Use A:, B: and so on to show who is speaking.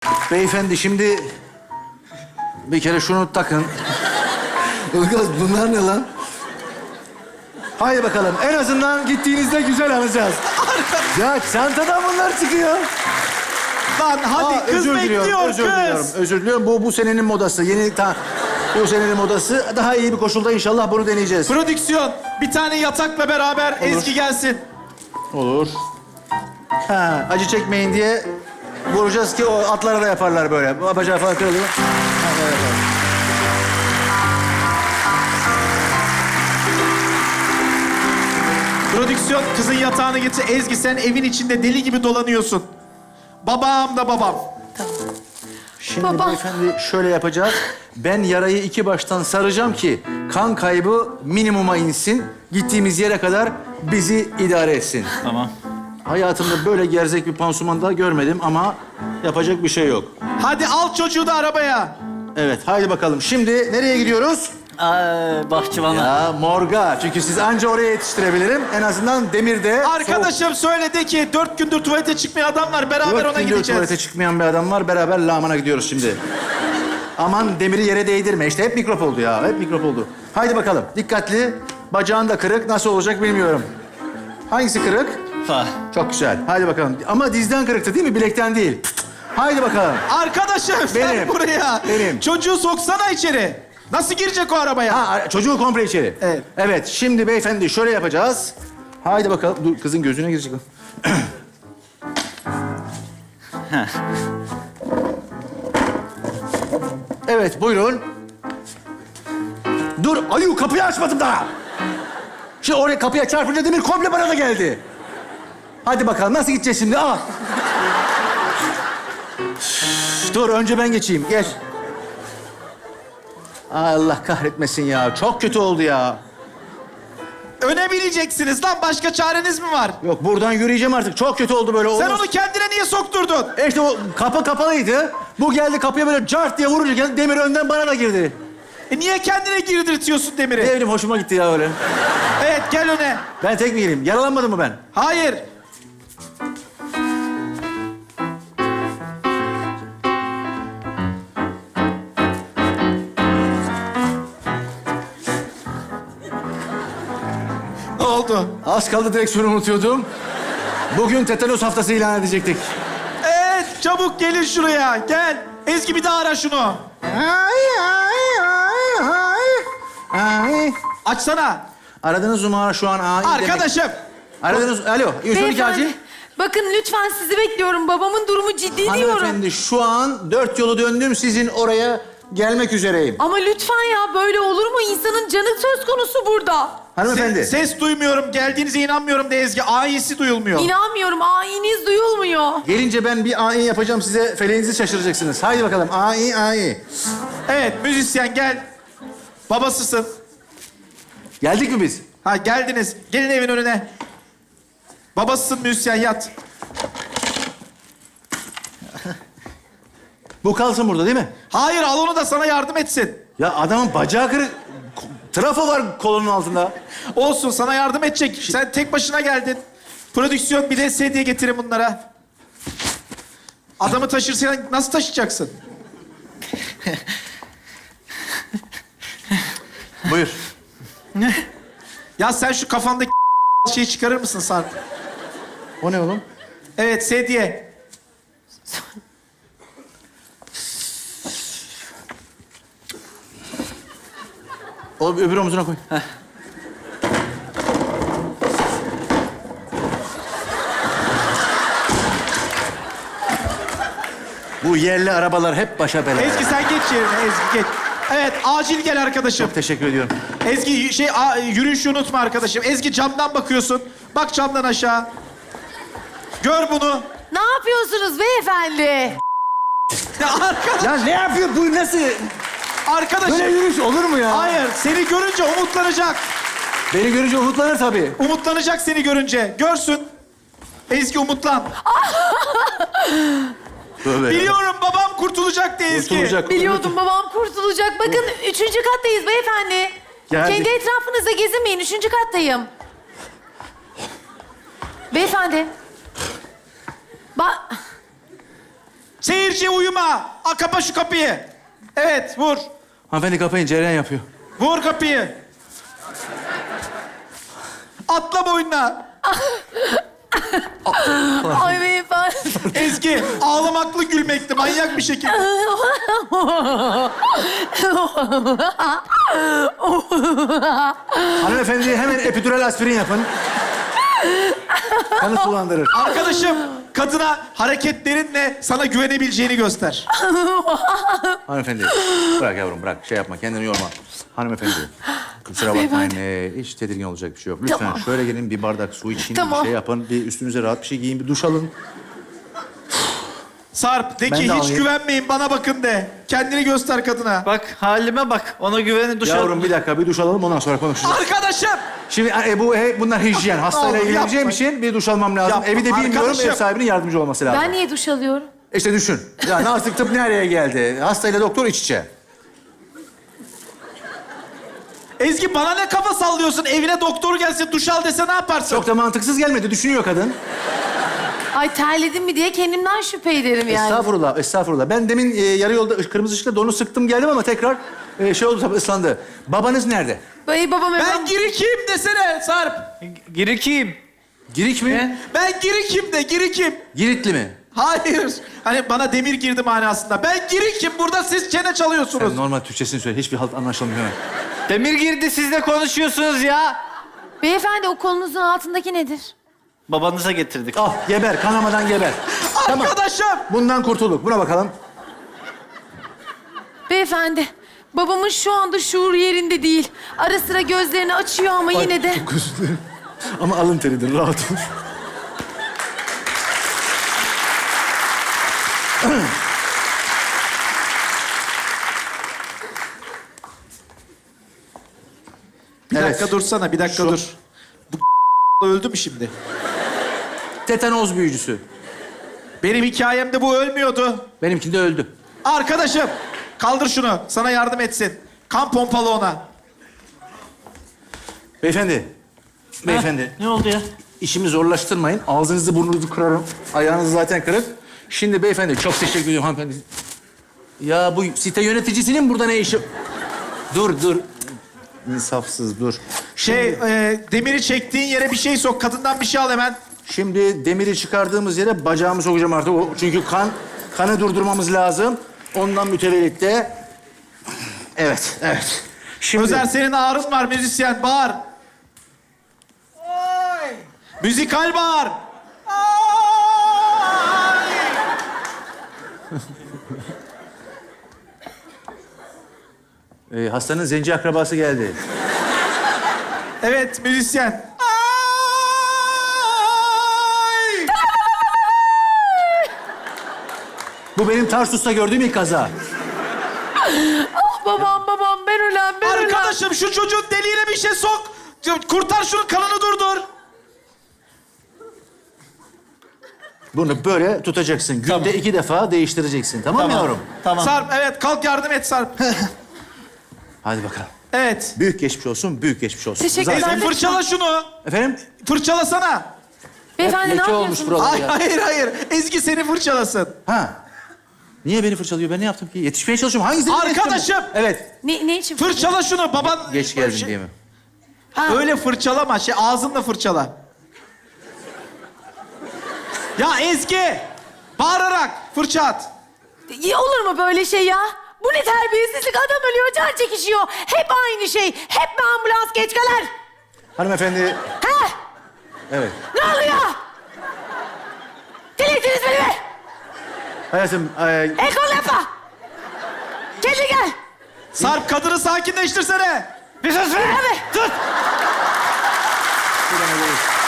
A: Beyefendi şimdi bir kere şunu takın.
B: Ilgaz bunlar ne lan?
A: Haydi bakalım. En azından gittiğinizde güzel alacağız. Ya çantadan bunlar çıkıyor.
C: Lan hadi
A: Aa,
C: kız
A: özür
C: bekliyor
A: diliyorum, özür diliyorum.
C: kız.
A: Özür diliyorum. Bu senenin modası. Bu senenin modası. Daha iyi bir koşulda inşallah bunu deneyeceğiz.
C: Prodüksiyon bir tane yatakla beraber Ezgi gelsin.
A: Olur. Ha, acı çekmeyin diye vuracağız ki o atlara da yaparlar böyle. Bacağı falan kırılıyor. Ha, böyle yapalım.
C: Prodüksiyon kızın yatağını getir. Ezgi sen evin içinde deli gibi dolanıyorsun. Babam da babam.
A: Şimdi
D: Baba.
A: beyefendi şöyle yapacağız. Ben yarayı iki baştan saracağım ki kan kaybı minimuma insin. Gittiğimiz yere kadar bizi idare etsin.
C: Tamam.
A: Hayatımda böyle gerzek bir pansuman daha görmedim ama yapacak bir şey yok.
C: Hadi al çocuğu da arabaya.
A: Evet, haydi bakalım. Şimdi nereye gidiyoruz?
E: Bahçıvan'a.
A: Ya morga. Çünkü siz anca oraya yetiştirebilirim. En azından demirde...
C: Arkadaşım söyledi ki 4 gündür tuvalete çıkmayan adam var. Beraber
A: Dört
C: ona
A: gündür
C: gideceğiz.
A: tuvalete çıkmayan bir adam var. Beraber lağmana gidiyoruz şimdi. Aman demiri yere değdirme. İşte hep mikrop oldu ya. Hep mikrop oldu. Haydi bakalım. Dikkatli. Bacağın da kırık. Nasıl olacak bilmiyorum. Hangisi kırık?
E: Fa.
A: Çok güzel. Haydi bakalım. Ama dizden kırıktı değil mi? Bilekten değil. Haydi bakalım.
C: Arkadaşım sen
A: Benim.
C: buraya.
A: Benim.
C: Çocuğu soksana içeri. Nasıl girecek o arabaya?
A: Ha, çocuğu komple içeri.
C: Evet.
A: Evet, şimdi beyefendi şöyle yapacağız. Haydi bakalım. Dur, kızın gözüne girecek. Evet, buyurun. Dur, ayu kapıyı açmadım daha. Şimdi oraya kapıya çarpınca demir komple bana da geldi. Hadi bakalım, nasıl gideceğiz şimdi? Al. Dur, önce ben geçeyim. Geç. Allah kahretmesin ya. Çok kötü oldu ya.
C: Öne bineceksiniz lan. Başka çareniz mi var?
A: Yok, buradan yürüyeceğim artık. Çok kötü oldu böyle.
C: Sen
A: Olmaz.
C: onu kendine niye sokturdun?
A: İşte o kapı kapalıydı. Bu geldi kapıya böyle cart diye vurunca geldi. Demir önden bana da girdi.
C: Niye kendine girdirtiyorsun
A: Ne
C: demiri?
A: bileyim hoşuma gitti ya öyle.
C: Evet gel öne.
A: Ben tek mi gireyim? Yaralanmadım mı ben?
C: Hayır. Ne oldu?
A: Az kaldı direksiyonu unutuyordum. Bugün tetanos haftası ilan edecektik.
C: Evet çabuk gelin şuraya. Gel. Ezgi bir daha ara şunu. Açsana.
A: Aradığınız numara şu an AI demek.
C: Arkadaşım.
A: Aradığınız... Alo, 112 acil.
D: Bakın lütfen sizi bekliyorum. Babamın durumu ciddi diyorum.
A: Hanımefendi şu an 4 yolu döndüm. Sizin oraya gelmek üzereyim.
D: Ama lütfen ya böyle olur mu? İnsanın canı söz konusu burada.
A: Hanımefendi.
C: Ses duymuyorum. Geldiğinize inanmıyorum de Ezgi. A'yisi duyulmuyor.
D: İnanmıyorum. Ayiniz duyulmuyor.
A: Gelince ben bir AI yapacağım size. Feleğinizi şaşıracaksınız. Haydi bakalım. AI.
C: Evet müzisyen gel. Babasısın.
A: Geldik mi biz?
C: Ha geldiniz. Gelin evin önüne. Babasısın müzisyen yat.
A: Bu kalsın burada değil mi?
C: Hayır al onu da sana yardım etsin.
A: Ya adamın bacağı kırık. Trafo var kolunun altında.
C: Olsun sana yardım edecek. Sen tek başına geldin. Prodüksiyon bir de sedye getirin bunlara. Adamı taşırsan nasıl taşıyacaksın?
A: Buyur.
C: Ya sen şu kafandaki şeyi çıkarır mısın Sarp?
A: O ne oğlum?
C: Evet sedye.
A: O öbür omzuna koy. Bu yerli arabalar hep başa bela.
C: Ezgi sen geç yerine Ezgi geç. Evet acil gel arkadaşım.
A: Çok teşekkür ediyorum.
C: Ezgi yürüyüşü unutma arkadaşım. Ezgi camdan bakıyorsun. Bak camdan aşağı. Gör bunu.
D: Ne yapıyorsunuz beyefendi?
C: Ya arkadaş,
A: Ya ne yapıyor bu nasıl?
C: arkadaşım.
A: Böyle yürüyüş olur mu ya?
C: Hayır seni görünce umutlanacak.
A: Beni görünce umutlanır tabii.
C: Umutlanacak seni görünce. Görsün. Ezgi umutlan.
A: Tövbe.
C: Biliyorum babam kurtulacak diye Ezgi.
A: Kurtulacak.
D: Biliyordum babam kurtulacak. Bakın 3. kattayız beyefendi.
A: Geldik.
D: Kendi etrafınızda gezinmeyin. 3. kattayım. Beyefendi.
C: Seyirci uyuma. Kapa şu kapıyı. Evet, vur.
A: Hanımefendi kapayın, cereyan yapıyor.
C: Vur kapıyı. Atla boynuna.
D: Ay beyefendi.
C: Ezgi, ağlamaklı gülmekti manyak bir şekilde.
A: Hanımefendi hemen epidural aspirin yapın. Kanı sulandırır.
C: Arkadaşım, kadına hareketlerinle sana güvenebileceğini göster.
A: Hanımefendi, bırak yavrum bırak. Şey yapma, kendini yorma. Hanımefendi, kusura bakmayın. Hiç tedirgin olacak bir şey yok. Lütfen
D: Tamam.
A: şöyle gelin, bir bardak su için,
D: Tamam.
A: bir şey yapın. Bir üstünüze rahat bir şey giyin, bir duş alın.
C: Sarp, de
A: Ben
C: ki
A: de
C: hiç
A: alayım.
C: güvenmeyin, bana bakın de. Kendini göster kadına.
E: Bak halime bak. Ona güvenin duş
A: Yavrum bir dakika, bir duş alalım, ondan sonra konuşacağız.
C: Arkadaşım!
A: Şimdi bunlar hijyen. Hastayla
C: Oğlum,
A: ilgileneceğim
C: yapma.
A: için bir duş almam lazım.
C: Yapma,
A: Evi de bilmiyorum,
C: arkadaşım.
A: ev sahibinin yardımcı olması lazım.
D: Ben niye duş alıyorum?
A: İşte düşün. Yani artık tıp nereye geldi? Hastayla doktor iç içe.
C: Ezgi, bana ne kafa sallıyorsun? Evine doktor gelse duş al dese ne yaparsın?
A: Çok da mantıksız gelmedi. Düşünüyor kadın.
D: Ay terledim mi diye kendimden şüphe ederim yani.
A: Estağfurullah, estağfurullah. Ben demin yarı yolda kırmızı ışıkta donu sıktım geldim ama tekrar şey oldu tabii, ıslandı. Babanız nerede?
D: Ay babam
C: Ben girikiyim desene Sarp.
E: Girikiyim.
A: Girik mi?
E: Ne?
C: Ben girikim de, girikim.
A: Giritli mi?
C: Hayır. Hani bana demir girdi manasında. Ben girikim. Burada siz çene çalıyorsunuz.
A: Sen normal Türkçesini söyle. Hiçbir halt anlaşılmıyor.
E: Demir girdi siz de konuşuyorsunuz ya.
D: Beyefendi o kolunuzun altındaki nedir?
E: Babanıza getirdik.
A: Al, geber. Kanamadan geber. Tamam.
C: Arkadaşım!
A: Bundan kurtulduk. Buna bakalım.
D: Beyefendi babamın şu anda şuur yerinde değil. Ara sıra gözlerini açıyor ama yine de...
A: Çok özür dilerim. Ama alın teridir. Rahat ol.
C: Bir
A: Evet.
C: dakika dursana, bir dakika
A: Şu-
C: dur. Bu öldü mü şimdi?
A: Tetanoz büyücüsü.
C: Benim hikayemde bu ölmüyordu.
A: Benimkinde öldü.
C: Arkadaşım, kaldır şunu. Sana yardım etsin. Kan pompalı ona.
A: Beyefendi. Beyefendi.
E: Ne oldu ya?
A: İşimi zorlaştırmayın. Ağzınızı burnunuzu kırarım. Ayağınız zaten kırık. Şimdi beyefendi çok teşekkür ediyorum hanımefendi. Ya bu site yöneticisinin burada ne işi? Dur. İnsafsız dur.
C: Demiri çektiğin yere bir şey sok. Kadından bir şey al hemen.
A: Şimdi demiri çıkardığımız yere bacağımı sokacağım artık. Çünkü kanı durdurmamız lazım. Ondan mütevellit de... Evet. Şimdi...
C: Özer, senin ağrın var müzisyen. Bağır. Oy! Müzikal bağır. Ay!
A: hastanın zenci akrabası geldi.
C: Evet, müzisyen. Ay!
A: Bu benim Tarsus'ta gördüğüm ilk kaza.
D: Babam ben ölen.
C: Arkadaşım, şu çocuğun deliğine bir şey sok. Kurtar şunun kanını durdur.
A: Bunu böyle tutacaksın. Günde 2 defa değiştireceksin. Tamam mı yavrum?
E: Tamam.
C: Sarp, evet, kalk yardım et Sarp.
A: Hadi bakalım.
C: Evet.
A: Büyük geçmiş olsun, büyük geçmiş olsun.
D: Teşekkürler.
C: Ezgi, fırçala şunu.
A: Efendim?
C: Fırçalasana.
D: Beyefendi ne
A: Leke olmuş
D: yapıyorsunuz?
A: buralar
C: Ay,
A: ya.
C: hayır. Ezgi seni fırçalasın.
A: Ha. Niye beni fırçalıyor? Ben ne yaptım ki? Yetişmeye çalışıyorum. Hangisi?
C: Arkadaşım!
A: Evet.
D: Ne için?
C: Fırçala şunu. Baban...
A: Geç geldin diye mi?
D: Ha.
C: Öyle fırçalama. Ağzınla fırçala. Ya Ezgi! Bağırarak fırça at.
D: Ya olur mu böyle şey ya? Bu ne terbiyesizlik? Adam ölüyor, can çekişiyor. Hep aynı şey. Hep mi ambulans geç kalır?
A: Hanımefendi.
D: Ha?
A: Evet.
D: Ne oluyor? Delirtiniz beni be!
A: Hayatım.
D: El kol yapma! Kendine gel!
C: Sarp, kadını sakinleştirsene.
E: Bir sus be!
D: Abi!
E: Tut!
A: Bir tane değil.